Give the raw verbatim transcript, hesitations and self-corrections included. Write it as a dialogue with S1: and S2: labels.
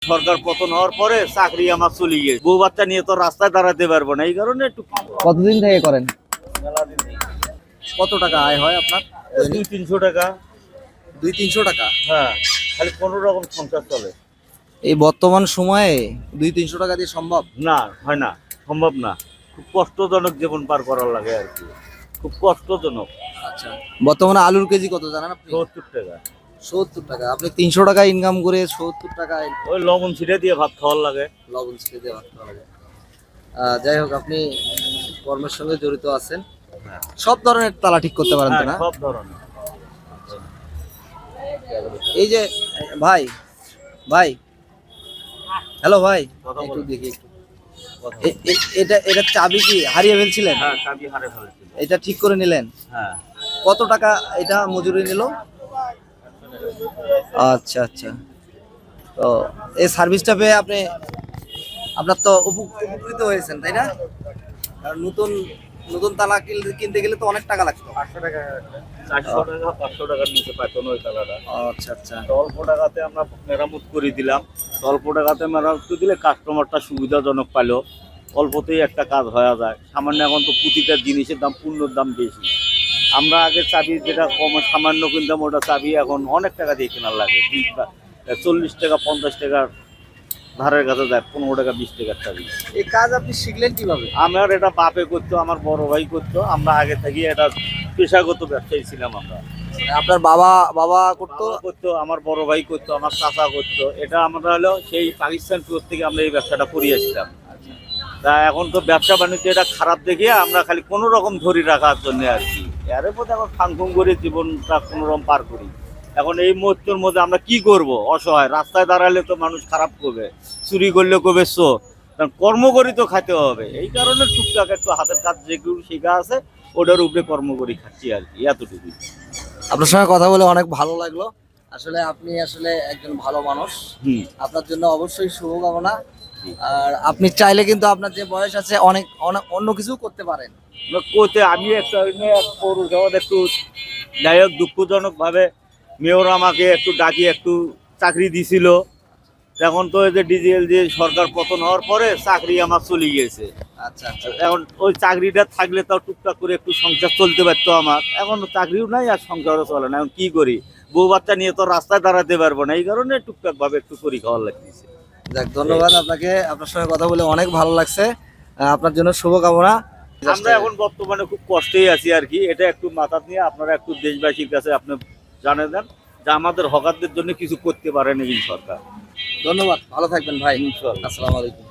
S1: সরকার পতন হওয়ার পরে চাকরি আমার চলে গিয়েছে, বউ বাচ্চা নিয়ে তো রাস্তায় দাঁড়াতে পারবো না, এই কারণে একটু।
S2: কতদিন থেকে করেন? কত টাকা আয় হয় আপনার?
S1: দুই তিনশো টাকা।
S2: দুই তিনশো টাকা?
S1: হ্যাঁ, খালি কোনো রকম সংসার চলে।
S2: এই বর্তমান সময়ে দুই তিনশো টাকা দিয়ে সম্ভব
S1: না, হয় না, সম্ভব না। খুব কষ্টজনক জীবন পার করার লাগে আর কি, খুব কষ্টজনক।
S2: আচ্ছা, বর্তমানে আলুর কেজি কত জানেন আপনি?
S1: সত্তর টাকা।
S2: সত্তর টাকা? আপনি তিনশো টাকা ইনকাম করে সত্তর টাকায়
S1: ওই লবণ ছিটে দিয়ে ভাত খাওয়ার লাগে।
S2: লবণ ছিটে দিয়ে ভাত খাওয়া লাগে। আহ, যাই হোক, আপনি কর্মের সঙ্গে জড়িত আছেন, সব ধরনের তালা ঠিক করতে পারেন তো না?
S1: সব ধরনের।
S2: এই যে ভাই ভাই হ্যালো ভাই,
S1: কথা
S2: একটু
S1: বলুন।
S2: দেখি একটু। এ- এ- এটা এটা চাবি কি হারিয়ে ফেলছিলেন?
S1: হ্যাঁ, চাবি হারে ফেলেছিল।
S2: এটা ঠিক করে নিলেন?
S1: হ্যাঁ।
S2: কত টাকা এটা মজুরি নিল? আচ্ছা আচ্ছা, তো এই সার্ভিসটা পেয়ে আপনি আপনার তো উপ- উপকৃত হয়েছেন, তাই না? কারণ নতুন নতুন তালা কিন- কিনতে গেলে তো অনেক টাকা লাগতো।
S1: পাঁচশো টাকা, চারশো টাকা পাঁচশো টাকার নিচে পাইতো না ওই তালাটা।
S2: আচ্ছা আচ্ছা,
S1: অল্প টাকাতে আমরা মেরামত করে দিলাম। অল্প টাকাতে মেরামত করে দিলে কাস্টমারটা সুবিধাজনক পাইলো, অল্পতেই একটা কাজ হয়ে যায়। সামান্য এখন তো প্রতিটা জিনিসের দাম, পূর্ণর দাম বেশি। আমরা আগে চাবি যেটা কম সামান্য কিনতাম, ওটা চাবি এখন অনেক টাকা দিয়ে কেনার লাগে। চল্লিশ টাকা পঞ্চাশ টাকার ধারের কাছে যায়, পনেরো টাকা বিশ টাকার চাবি।
S2: এই কাজ আপনি শিখলেন কিভাবে?
S1: আমার এটা বাপে করতো, আমার বড় ভাই করতো, আমরা আগে থেকে এটা পেশাগত ব্যবসায়ী ছিলাম আমরা।
S2: আপনার বাবা বাবা করতো?
S1: বাবা করতো, আমার বড় ভাই করতো, আমার চাচা করতো। এটা আমরা হলো সেই পাকিস্তান টুর থেকে আমরা এই ব্যবসাটা করিয়েছিলাম। তা এখন তো ব্যবসা বাণিজ্য এটা খারাপ দেখে আমরা খালি কোনো রকম ধরি রাখার জন্য আর কি, এর মধ্যে এখন ফাংফুং করে জীবনটা কোনো রকম পার করি। এখন এই মুহূর্তের মধ্যে আমরা কি করব? অসহায়, রাস্তায় দাঁড়ালে তো মানুষ খারাপ করবে, চুরি করলে করবে চো, কারণ কর্ম করি তো খাইতে হবে। এই কারণে টুকটাক একটু হাতের কাজ যেগুলো শেখা আছে ওটার উপরে কর্ম করি খাচ্ছি আর কি, এতটুকু।
S2: আপনার সঙ্গে কথা বলে অনেক ভালো লাগলো। আসলে আপনি আসলে একজন ভালো মানুষ,
S1: হুম।
S2: আপনার জন্য অবশ্যই শুভকামনা। আর আপনি চাইলে কিন্তু আপনার যে বয়স আছে অনেক অনেক অন্য কিছু করতে পারেন।
S1: কোতে আমি একটা পৌরসভাতে একটু যাই হোক দুঃখজনক ভাবে মেয়র আমাকে একটু ডাকি একটু চাকরি দিছিল। এখন তো এই যে ডিজিএল যে সরকার পতন হওয়ার পরে চাকরি আমার চলে গিয়েছে।
S2: আচ্ছা আচ্ছা,
S1: এখন ওই চাকরিটা থাকলে তাও টুকটাক করে একটু সংসার চলতে পারতো আমার। এখন চাকরিও নাই আর সংসারও চলে না, এখন কি করি? বউ বাচ্চা নিয়ে তো রাস্তায় দাঁড়াতে পারবো না, এই কারণে টুকটাক ভাবে একটু করি খাওয়ার লাগতেছে।
S2: যাক, ধন্যবাদ আপনাকে। আপনার সঙ্গে কথা বলে অনেক ভালো লাগছে। আহ, আপনার জন্য শুভকামনা।
S1: আমরা এখন বর্তমানে খুব কষ্টেই আছি আর কি, এটা একটু মাথা নিয়ে আপনারা একটু দেশবাসীর কাছে আপনি জানিয়ে দেন যে আমাদের হকারদের জন্য কিছু করতে পারেনি এই সরকার।
S2: ধন্যবাদ, ভালো থাকবেন ভাই।
S1: ইনশাআল্লাহ।
S2: আসসালামু আলাইকুম।